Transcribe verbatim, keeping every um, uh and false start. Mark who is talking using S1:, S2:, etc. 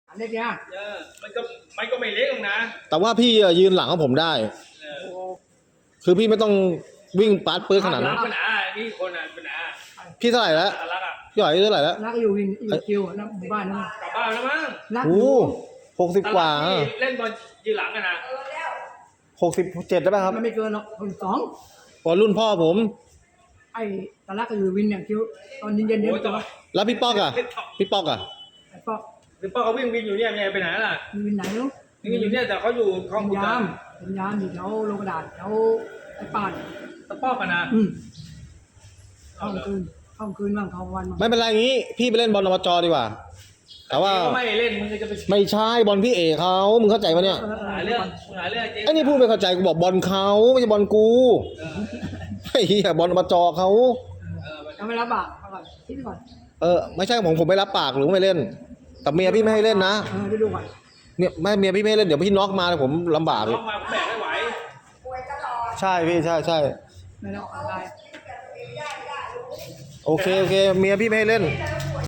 S1: เล็กเนี่ย
S2: เออมันก็มันก็ไม่เล็กหรอกนะ
S3: แต่ว่าพี่อะยืนหลังของผมได้
S2: เออ
S1: โอ้
S3: คือพี่ไม่ต้องวิ่งปาดปื้ดขนาด
S2: หลั
S3: นั้
S2: ง
S3: น
S2: ปัญหานี่คนอ่ะปัญหา
S3: พี่เท่าไหร่แล้ว
S2: ตาลักอ่ะ
S3: พี่หอยอายุเท่าไหร่แล้ว
S1: นักอยู่วินอยู่คิวนักหมู่บ้านนะ
S2: กลับบ้านแล้วมั้ง
S1: นักอ
S3: โอ้
S1: ยู่
S3: หกสิบกว่า
S2: ตลัที่เล่นบอลยืนหลังกันนะ
S3: หกสิบเจ็ดได้ป่ะครับ
S1: มันไม่เกินหรอกคนสอง
S3: พอรุ่นพ่อผม
S1: ไอ้ตะลักก็อยู่วินอย่างคิวตอนเย็นเย็นๆเนี่ย
S2: โอ้ยต่อ
S3: แล้วพี่ป๊อกอะพี่ป๊อกอะ
S1: ไอ้ป๊อก
S2: หรือป้าเขาวิ่งวินอยู่เนี่ยไปไหนล่ะ
S1: มีวินไหนรู้
S2: วิ่งอยู่เนี่ยแต่เขาอยู่คลอง
S1: เป็น
S2: ขุด
S1: ยา
S2: อะ
S1: มเป็นยามอยู่แถวโรงกระดาษแถวไอ้ป่าน
S2: ตะป้อกันนะ
S1: อืมเข้ากลางคืนเข้ากลางคืนบ้างเข้ากลางวันบ้าง
S3: ไม่เป็นไรงี้ พี่ไปเล่นบอลอบจดีกว่า แต่ว่า
S2: เขาไม่เล่นมึงก็จะไป
S3: ไม่ใช่บอลพี่เอกเขามึงเข้าใจปะเนี่ย
S2: หาเรื่องหาเรื่องจริง
S3: ไอ้นี่พูดไม่เข้าใจกูบอกบอลเขาไม่ใช่บอลกู
S2: เออ
S3: ไอ้เหี้ยบอลอบจเขา
S2: เออ
S1: ยังไม่รับปากเอาก่อนคิดก่อน
S3: เออไม่ใช่ผมผมไม่รับปากหรือไม่เล่น แต่เมียพี่ไม่ให้เล่นนะ
S1: เออเดี๋ยวดูก่อน
S3: เนี่ยไม่เมียพี่ไม่ให้เล่นเดี๋ยวพี่น็อกมาผมลำบากเล
S2: น้
S3: ย
S2: องมาผมแบกไม่ไหว
S3: ใช่พี่ใช่ใช่
S1: ไม่ได้ออกกำลังกาย
S3: โอเคโอเคเมียพี่ไม่ให้เล่น
S1: เ